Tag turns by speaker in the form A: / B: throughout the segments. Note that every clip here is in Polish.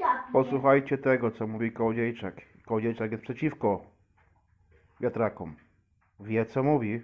A: Posłuchajcie tego, co mówi Kołodziejczak. Kołodziejczak jest przeciwko wiatrakom. Wie, co mówi.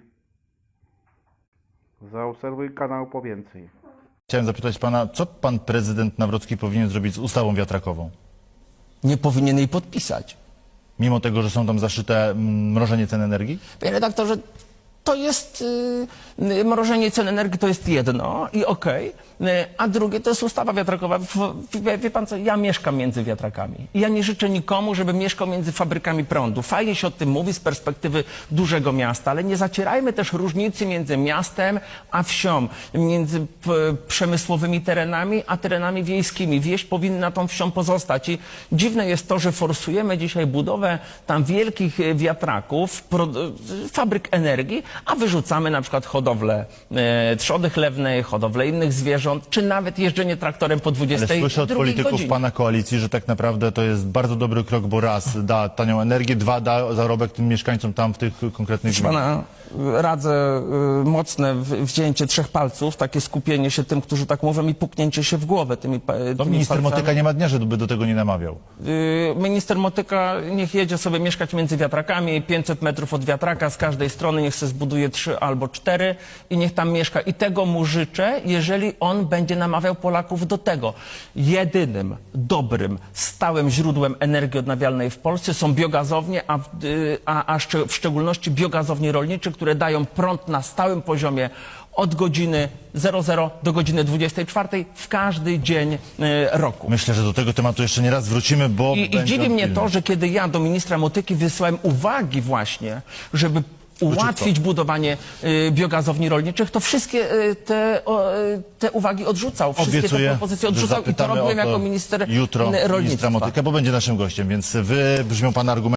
A: Zaobserwuj kanał po więcej.
B: Chciałem zapytać pana, co pan prezydent Nawrocki powinien zrobić z ustawą wiatrakową?
C: Nie powinien jej podpisać.
B: Mimo tego, że są tam zaszyte mrożenie cen energii?
C: Panie redaktorze, to jest mrożenie cen energii, to jest jedno i okej, a drugie to jest ustawa wiatrakowa. Wie pan co, ja mieszkam między wiatrakami i ja nie życzę nikomu, żeby mieszkał między fabrykami prądu. Fajnie się o tym mówi z perspektywy dużego miasta, ale nie zacierajmy też różnicy między miastem a wsią, między przemysłowymi terenami a terenami wiejskimi. Wieś powinna tą wsią pozostać i dziwne jest to, że forsujemy dzisiaj budowę tam wielkich wiatraków, fabryk energii, a wyrzucamy na przykład hodowlę trzody chlewnej, hodowlę innych zwierząt, czy nawet jeżdżenie traktorem po 22
B: Ale słyszę od polityków
C: godzinie.
B: pana koalicji, że tak naprawdę to jest bardzo dobry krok, bo raz da tanią energię, dwa da zarobek tym mieszkańcom tam w tych konkretnych
C: Proszę
B: gminach.
C: pana, radzę mocne wzięcie 3 palców, takie skupienie się tym, którzy tak mówią i puknięcie się w głowę tymi
B: To minister
C: palcami.
B: Motyka nie ma dnia, żeby do tego nie namawiał.
C: Minister Motyka niech jedzie sobie mieszkać między wiatrakami, 500 metrów od wiatraka z każdej strony, niech se zbuduje 3 albo 4 i niech tam mieszka. I tego mu życzę, jeżeli on będzie namawiał Polaków do tego. Jedynym dobrym, stałym źródłem energii odnawialnej w Polsce są biogazownie, a w szczególności biogazownie rolnicze, które dają prąd na stałym poziomie od godziny 00 do godziny 24 w każdy dzień roku.
B: Myślę, że do tego tematu jeszcze nie raz wrócimy, bo
C: I dziwi mnie to, że kiedy ja do ministra Motyki wysłałem uwagi właśnie, żeby ułatwić budowanie biogazowni rolniczych, to wszystkie te uwagi odrzucał. Wszystkie te
B: obiecuję,
C: propozycje
B: że
C: odrzucał i to
B: zapytamy
C: robiłem
B: o to
C: jako minister
B: jutro ministra
C: rolnictwa.
B: Motyka, bo będzie naszym gościem, więc wybrzmią pana argumenty.